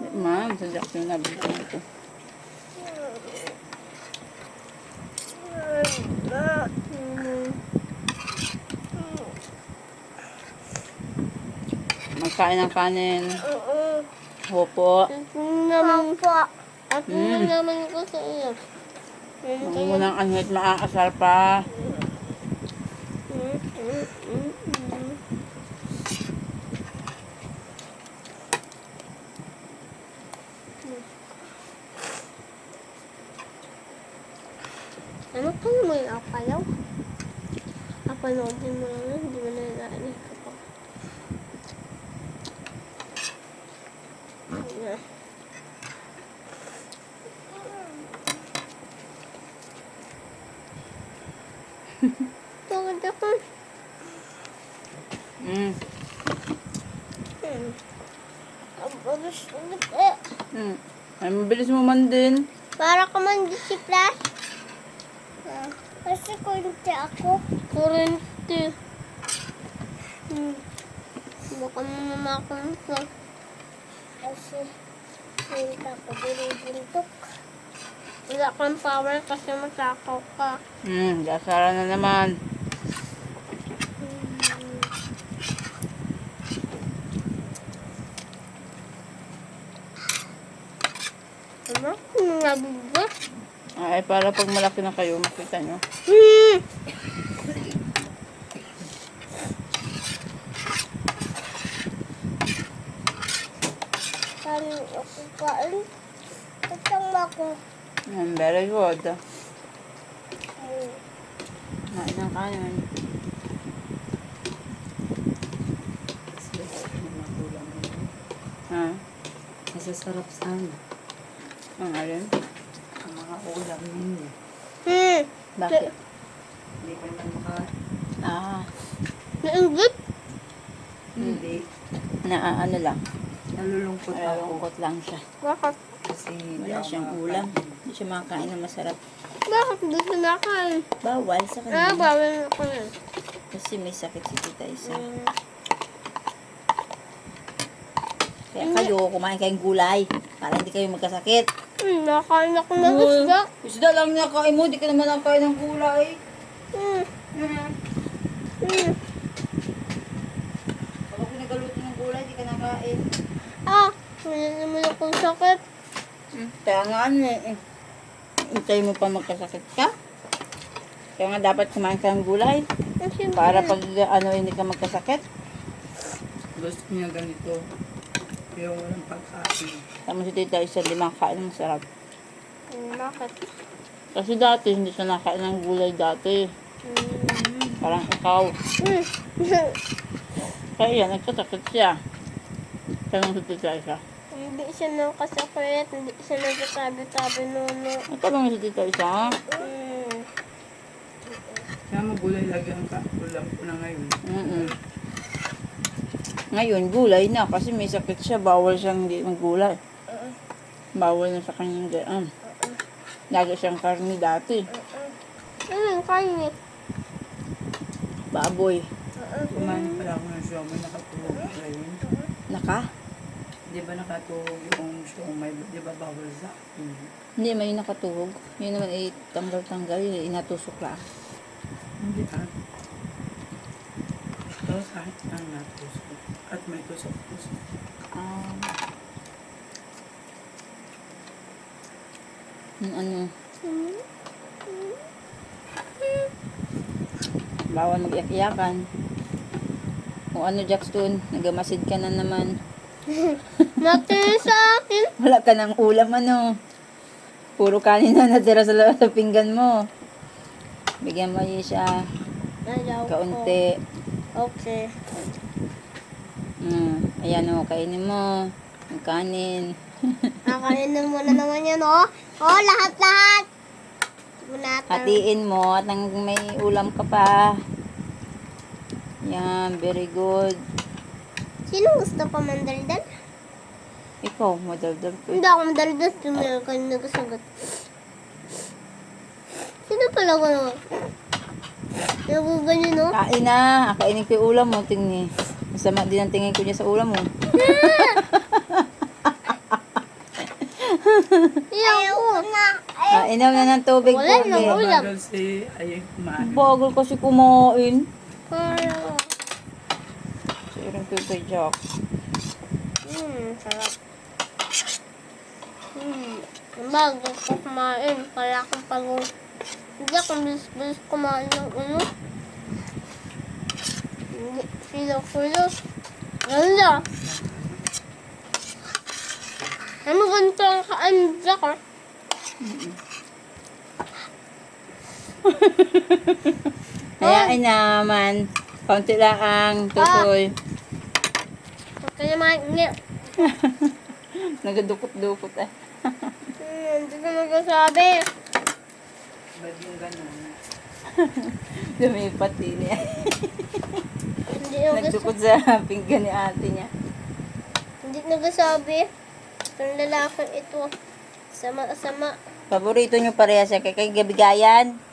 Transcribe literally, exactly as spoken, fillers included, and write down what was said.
Man, sa Jackson na bigyan ko ito. Magkain ng kanin. Opo. Naman po. At Mm. naman ko sa iyo. Huwag mo nang anhit maaasar pa. Ano ka mo yung apalaw? Apanoodin mo lang yun, hindi mo na nalaani ka pa. Ayan. Bakit ako? Mm. Hmm. Ang babas ulit eh. Mm. Ay, mabilis mo man din. Para ka man disiplas. Ah, kasi kunti ako. Kurente. Hmm. Baka mamamakon ko. Kasi hindi ako binibuntok. Wala kang power kasi matakaw ka. Hmm, dasara na naman. Ano? Kung nabigat? Ay, para pag malaki na kayo, makita nyo. Hmm! Kami ako kain. Tatang ako. Mm, very good. Hmm. Kain ng kanin. Ha? Masasarap sana. Ang alin? Ang mga ulam ninyo. Hmm! Bakit? Hindi ka naman maka... Ah, Nainggit? Hindi. na ano lang. Nalulungkot ako. Nalulungkot lang siya. Bakit? Kasi hindi Wala ako siyang makakain. ulam. Hindi siya makakain ng masarap. Bakit hindi sinakain? Bawal sa Ah, kanya. bawal ako yan. Kasi may sakit si Tita Isa. Hmm. Kaya kayo, kumain kayong gulay. Para hindi kayo magkasakit. Hmm, nakain ako ng isda. Isda lang nakain mo. Di ka naman nakain ng gulay. Hmm. Hmm. Hmm. Kapag pinagaluto ng gulay, di ka nakain. Ah, wala naman akong sakit. Hmm. Kaya nga ano eh. Hintay mo pa magkasakit ka. Kaya nga dapat kumain ka ng gulay. Kasi Para pag ano hindi ka magkasakit. Gusto niya ganito. Yung walang pagkain. Tama si Tita Isa, di makakain ng masarap. Hmm, bakit? Kasi dati, hindi siya nakain ng gulay dati. Hmm. Parang ikaw. Hmm. Kaya yan, nagkasakit siya. Tanong si Tita Isa. Hindi siya nakasakit, hindi siya nagsasabi-sabi nono. Nagtanong si Tita Isa, ha? Hmm. Kaya magulay lagi ang ka- ulam ko na ngayon. Mm-mm. Ngayon, gulay na. Kasi may sakit siya. Bawal siyang hindi maggulay. Uh-uh. Bawal na sa kanyang daan. Lagi siyang karni dati. Ano yung kain eh? Baboy. Uh-uh. Kumain pala ako ng siomay, nakatuhog ngayon. Naka? Di ba nakatuhog yung siomay? Di ba bawal sa akin? Hindi, may nakatuhog. Yun naman ay tanggal-tanggal. Yun ay inatusok lang. Hindi ah. Tapos kahit ang natusok. At may tusok-tusok. Um, yung ano, Hmm. bawal mag-iyak-iyakan. Kung ano, Jackson, nagamasid ka na naman. Natin sa akin. Wala ka ng ulam, ano. Puro kanin na natira sa, sa pinggan mo. Bigyan mo yun siya. Ayaw ko. Kaunti. Okay. Mm, ayan o, kainin mo. Ang kanin. Kakainin mo na naman yan, oh. Oh, lahat-lahat. Bunatan. Hatiin mo at nang may ulam ka pa. Yan, very good. Sino gusto pa mandaldal? Ikaw, madaldal ko. Hindi ako mandaldal. Tumira ka yung nagsagot. Sino pala ko naman? Naguganyan, no? Kain na. Kainin ko yung ulam mo. Tingni. Masama din ang tingin ko niya sa ulam mo. Ayoko na. Ah, inom na ng tubig, Wala Pogi. na, wala. Bagal si ay kumain. Bagal kasi kumain. Parang, Siring Pepe Jack. hmm, sarap. Hmm, bago ko kumain, kaya akong pagod. Hindi ako bilis-bilis kumain ng ano. Hindi, silo-kulos. Ganda. Ano ganito ang kaanda ko? Hayain naman. Kaunti lang ang tutoy. Huwag ka naman, hindi. Nagadukot-dukot eh. Hmm, hindi ko nagsasabi. Ba't yung ganun? Lumipat din niya. Hindi nagsasabi. Nagdukot sa pinggan ni ate niya. Hindi nagsasabi. Itong lalaki ito. Sama-sama. Paborito niyo pareha siya kay kay Gabigayan.